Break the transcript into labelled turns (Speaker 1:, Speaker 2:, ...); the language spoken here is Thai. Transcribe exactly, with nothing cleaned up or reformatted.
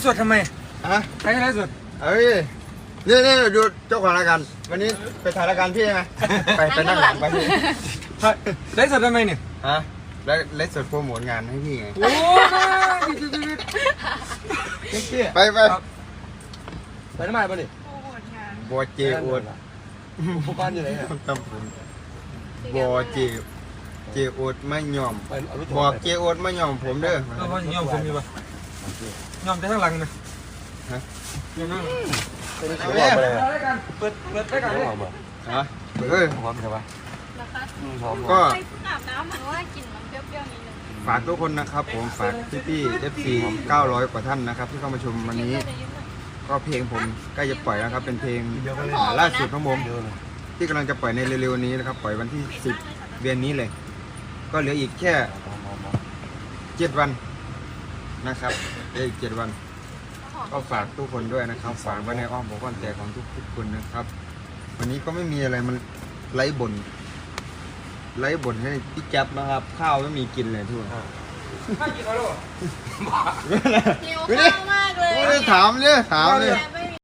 Speaker 1: สดทำไมฮะใครไลฟ์สดเฮ้ยนี่นี่ดูเจ้าของรายการวันนี้ไปถ่ายรายการพี่ใช่ไหมไปไปนั่งหลังไปพี่ไลฟ์สดทำไมเนี่ยฮะแล้วไลฟ์สดโปรโมทงานให้พี่ไงโอ้ไปไปไปทำไมป่ะนี่โปรโมทงานบัวเจอวดผู้บ้านอยู่ไหนอ่ะตำบลบัวเจเจอวดไม่ยอมบอกเจอวดไม่ยอมผมเด้อก็เพราะยอมผมอยู่ป่ะยอมได้ทั้งหลังนะฮะยอมนั่งเปิดเปิดเปิดได้กันเลยฮะเฮ้ยพร้อมใช่ปะก็อาบน้ำมันว่ากินมันเปรี้ยวๆนิดนึงฝากทุกคนนะครับผมฝากพี่พี่เอฟซีเก้าร้อยกว่าท่านนะครับที่เข้ามาชมวันนี้ก็เพลงผมใกล้จะปล่อยแล้วครับเป็นเพลงล่าสุดของผมที่กำลังจะปล่อยในเร็วๆนี้นะครับปล่อยวันที่สิบเดือนนี้เลยก็เหลืออีกแค่เจ็ดวันนะครับเหลืออีกเจ็ดวันก็ฝากทุกคนด้วยนะครับฝากไว้ในอ้อมอกอ้อมใจของทุกทุกคนนะครับวันนี้ก็ไม่มีอะไรมันไร้บ่นไร้บ่นให้พี่แจ๊บนะครับข้าวไม่มีกินเลยทุกคนข้าวกินข้าวหรอหิวข้าวมากเลยไม่ได้ถามเนี่ยถามเนี่ย